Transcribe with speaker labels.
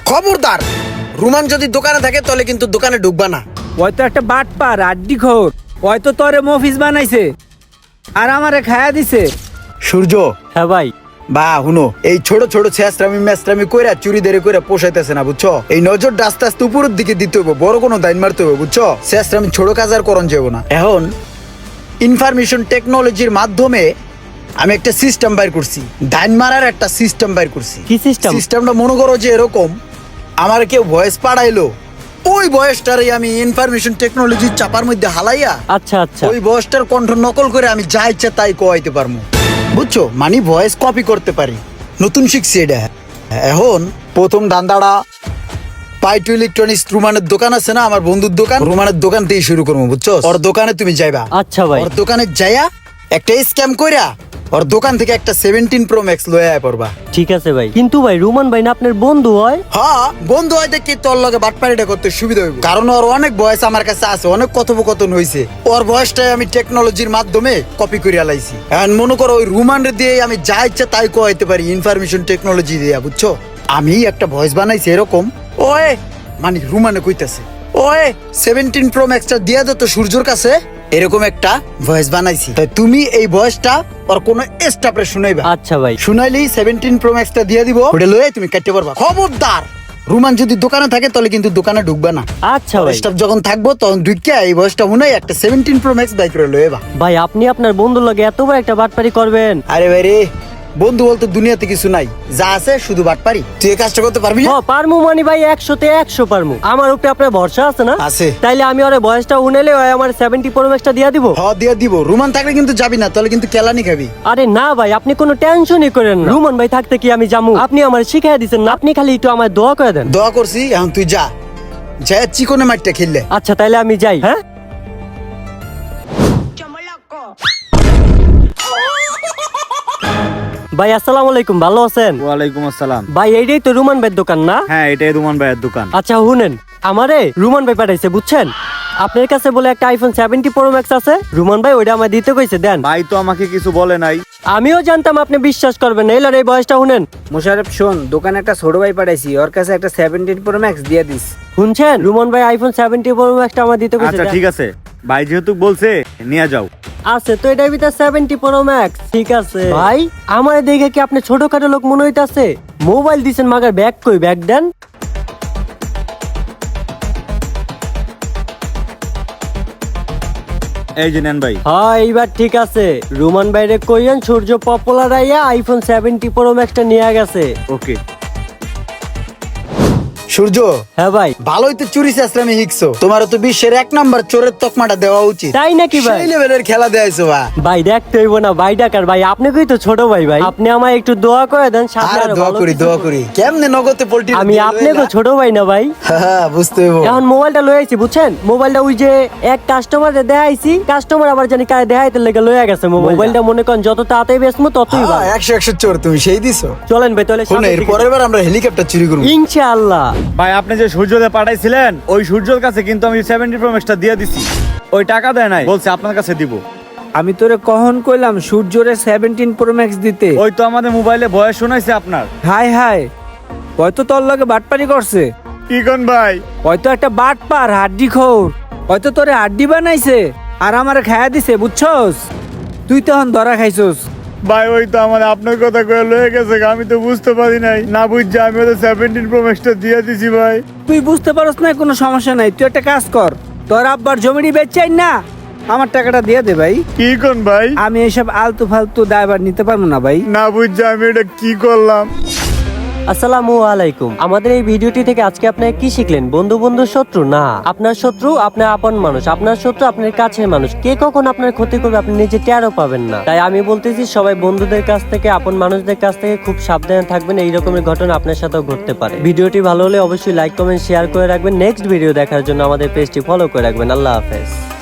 Speaker 1: খবরদার, রুমান যদি দোকানে থাকে তাহলে কিন্তু দোকানে ঢুকবা না।
Speaker 2: ওই তো একটা বাটপার আড্ডি খোর, ওই তো তোরে মফিস বানাইছে আর আমারে খায়া দিছে।
Speaker 1: সূর্য,
Speaker 3: হ্যাঁ ভাই।
Speaker 1: বা হুনো, এই ছোট ছোট ছেঁচড়ামি মেচড়ামি কইরা চুরি দেরি কইরা পোষাইতেছে না, বুঝছো? এই নজরটা আস্তে আস্তে উপরের দিকে দিতে হবে, বড় কোনো দাইন মারতে হবে, বুঝছো? ছেঁচড়ামি ছোট কাজ আর করণ যাবো না। এখন ইনফরমেশন টেকনোলজির মাধ্যমে আমি একটা সিস্টেম বাইর করছি, দাইন মারার একটা সিস্টেম বাইর করছি।
Speaker 3: কি সিস্টেম?
Speaker 1: সিস্টেমটা মনে করো যে এরকম, আমার কেউ ভয়েস পাঠাইলো, ওই ভয়েসটারে আমি ইনফরমেশন টেকনোলজির চাপার মধ্যে হালাইয়া
Speaker 3: আচ্ছা আচ্ছা।
Speaker 1: ওই ভয়েসটার কণ্ঠ নকল করে আমি যা ইচ্ছা তাই কোয়াইতে পারবো, বুঝছো? মানে ভয়েস কপি করতে পারি। নতুন শিখছি এটা। এখন প্রথম ধান্দাটা পাইটু ইলেকট্রনিক্স রুমানের দোকান আছে না, আমার বন্ধুর দোকান, রুমানের দোকান থেকে শুরু করবো, বুঝছো? ওর দোকানে তুমি যাইবা।
Speaker 3: আচ্ছা ভাই।
Speaker 1: ওর দোকানে যাইয়া একটা স্ক্যাম কইরা ওর দোকান থেকে একটা 17 Pro Max লয়ে আয় পড়বা।
Speaker 3: ঠিক আছে ভাই, কিন্তু ভাই রুমান ভাই না আপনার বন্ধু হয়?
Speaker 1: হ্যাঁ, বন্ধু হয় দেখি তোর লগে বাটপাড়িটা করতে সুবিধা হইব, কারণ ওর অনেক বয়স আমার কাছে আছে, অনেক কথোপকথন হইছে, ওর বয়সটাই আমি টেকনোলজির মাধ্যমে কপি করিয়া লাইছি। এখন মনে করো ওই রুমানের দিয়ে আমি যা ইচ্ছা তাই কইতে পারি ইনফরমেশন টেকনোলজি দিয়া, বুঝছো? আমি একটা ভয়েস বানাইছি এরকম, ওয়ে মানে রুমানে কইতাছে, ওয়ে 17 Pro Max টা দিয়া দে তো সূর্যর কাছে, এরকম একটা ভয়েস বানাইছি। তাই তুমি এই ভয়েসটা আর কোন স্টাফরে শুনাইবা।
Speaker 3: আচ্ছা ভাই।
Speaker 1: শুনাইলেই 17 Pro Max টা দিয়ে দিব, ওটা লয়ে তুমি কাটতে পারবা। খবরদার, রুমান যদি দোকানে থাকে তাহলে কিন্তু দোকানে ঢুকবা না।
Speaker 3: আচ্ছা ভাই।
Speaker 1: স্টাফ যখন থাকবো তখন ঢুকিয়া এই ভয়েসটা শুনাই একটা 17 Pro Max বাইক করে লয়েবা।
Speaker 3: ভাই আপনি আপনার বন্ধুর লগে এত বড় একটা বাটপারি করবেন?
Speaker 1: আরে ভাই রে, বন্ধু বলতে দুনিয়াতে কিছু নাই, যা আছে শুধু বাটপারি। তুই এই কাজটা করতে পারবি না?
Speaker 3: হ্যাঁ পারমু মানে ভাই, 100-তে 100 পারমু। আমার উপরে আপনার ভরসা আছে না?
Speaker 1: আছে।
Speaker 3: তাইলে আমি ওরে বয়সটা উনেলে ওই আমার 70 Pro Max টা দিয়া দিব।
Speaker 1: হ, দিয়ে দিব। রুমান থাকলে কিন্তু যাবি না, তাহলে কিন্তু কেলানি খাবি।
Speaker 3: আরে না ভাই, আপনি কোনো টেনশনই করেন না, রুমান ভাই থাকতে কি আমি যামু? আপনি আমার শিখাই দিছেন না, আপনি খালি একটু আমার দোয়া করে দেন।
Speaker 1: দোয়া করছি, এখন তুই যা, যা চিকনে মাঠটা খেললে।
Speaker 3: আচ্ছা তাইলে আমি যাই। হ্যাঁ ভাই, আসসালামু আলাইকুম, ভালো আছেন?
Speaker 4: ওয়ালাইকুম আসসালাম।
Speaker 3: ভাই এইটাই তো রুমান ভাইয়ের দোকান না?
Speaker 4: হ্যাঁ, এটাই রুমান ভাইয়ের দোকান।
Speaker 3: আচ্ছা শুনেন, আমারে রুমান ভাই পাঠাইছে, বুঝছেন? আপনার কাছে বলে একটা আইফোন 70 Pro Max আছে, রুমান ভাই ওইটা আমায় দিতে কইছে, দেন।
Speaker 4: ভাই তো আমাকে কিছু বলে নাই।
Speaker 3: আমিও জানতাম আপনি বিশ্বাস করবেন না, এলার এই বয়সটা শুনেন।
Speaker 2: মোশারফ শোন, দোকানে একটা ছোট ভাই পাঠাইছি, ওর কাছে একটা 17 Pro Max দিয়ে দিস।
Speaker 3: শুনছেন, রুমান ভাই আইফোন 70 Pro Max টা আমার দিতে কইছে।
Speaker 4: আচ্ছা
Speaker 3: দেন।
Speaker 4: ঠিক আছে, ভাই যেহেতু বলছে নিয়ে যাও।
Speaker 3: আছে তো এটার ভিতর 70 Pro Max, ঠিক আছে ভাই। আমার দেখে কি আপনি ছোটখাটো লোক মনে হইতাছে? মোবাইল দিছেন মাগার ব্যাগ কই, ব্যাগ দেন।
Speaker 4: এই যে নেন ভাই।
Speaker 3: হ্যাঁ এইবার ঠিক আছে, রুমান ভাইরে কইয়েন সূর্য পপুলার আইয়া আইফোন 70 Pro Max টা নিয়ে গেছে।
Speaker 4: ওকে।
Speaker 1: সূর্য,
Speaker 3: হ্যাঁ ভাই।
Speaker 1: ভালোই তো চুরি চেষ্টামি শিখছো, তোমার তো বিশ্বের 1 নাম্বার চোরের তকমাটা দেওয়া উচিত।
Speaker 3: তাই নাকি ভাই?
Speaker 1: সেই লেভেলের খেলা দেয়াইছো ভাই।
Speaker 3: ভাই দেখতে হইব না ভাই, ডাকার ভাই, আপনি কই তো ছোট ভাই, ভাই আপনি আমায় একটু দোয়া করে দেন, সাথে
Speaker 1: আরে
Speaker 3: আরো
Speaker 1: দোয়া
Speaker 3: ভালো
Speaker 1: করি,
Speaker 3: কিছু
Speaker 1: দোয়া
Speaker 3: করুন।
Speaker 1: করি। কেমনে নগদে পোল্ট্রি
Speaker 3: আমি আপনাকে ছোট ভাই না ভাই?
Speaker 1: হ্যাঁ, বুঝতে হইব।
Speaker 3: এখন মোবাইলটা লয়ে আইছি, বুঝছেন? মোবাইলটা ওই যে এক কাস্টমারে দেখাইছি, কাস্টমার আবার জানি কারে দেখাইতে লেগে লয়ে গেছে মোবাইলটা। মনে করেন যত তাড়াতাড়ি বেচমু ততই ভালো।
Speaker 1: 100 চোর তুমি সেই দিছো।
Speaker 3: চলেন ভাই তাহলে
Speaker 1: শোনো,
Speaker 3: সামনের
Speaker 1: এর
Speaker 3: দিকে।
Speaker 1: পরের বার আমরা হেলিকপ্টার চুরি করব।
Speaker 3: ইনশাআল্লাহ।
Speaker 4: ভাই আপনি যে সূর্যদে পাঠাইছিলেন, ওই সূর্যর কাছে কিন্তু আমি 70 Pro Max টা দিয়ে দিছি। ওই টাকা দেয় নাই, বলছে আপনার কাছে দিব।
Speaker 2: আমি তোরে কখন কইলাম সূর্যরে 17 Pro Max দিতে?
Speaker 4: ওই তো আমাদের মোবাইলে বয়স শোনাইছে আপনার।
Speaker 2: হায় হায়, হয়তো তোর লগে বাটপারি করছে।
Speaker 4: কি কোন ভাই?
Speaker 2: হয়তো একটা বাটপার হাড্ডি খোর, হয়তো তোরে হাড্ডি বানাইছে আর আমারে খায়া দিছে, বুঝছস? তুই তখন ধরা খাইছস।
Speaker 4: ভাই ওই তো আমার আপনার কথা কয়ে লয়ে গেছে, আমি তো বুঝতে পারি নাই, না বুঝছি আমি ওদের 17 Pro Max টা দিয়ে দিছি ভাই।
Speaker 2: তুই বুঝতে পারস না, কোনো সমস্যা নাই। তুই একটা কাজ কর, তোর আব্বার জমিটি বেচাই না, আমার টাকাটা দিয়ে দে ভাই।
Speaker 4: কি কোন ভাই?
Speaker 2: আমি এইসব আলতু ফালতু দায়ভার নিতে পারবো না ভাই।
Speaker 4: না বুঝছি আমি এটা কি করলাম।
Speaker 3: আসসালামু আলাইকুম। আমাদের এই ভিডিওটি থেকে আজকে আপনারা কি শিখলেন? বন্ধু বন্ধু শত্রু না, আপনার শত্রু আপনার আপন মানুষ, আপনার শত্রু আপনার কাছের মানুষ। কে কখন আপনার ক্ষতি করবে আপনি নিজে টেরও পাবেন না। তাই আমি বলতেছি সবাই বন্ধুদের কাছ থেকে, আপন মানুষদের কাছ থেকে খুব সাবধানে থাকবেন, এই রকমের ঘটনা আপনার সাথেও ঘটতে পারে। ভিডিওটি ভালো হলে অবশ্যই লাইক কমেন্ট শেয়ার করে রাখবেন। নেক্সট ভিডিও দেখার জন্য আমাদের পেজটি ফলো করে রাখবেন। আল্লাহ হাফেজ।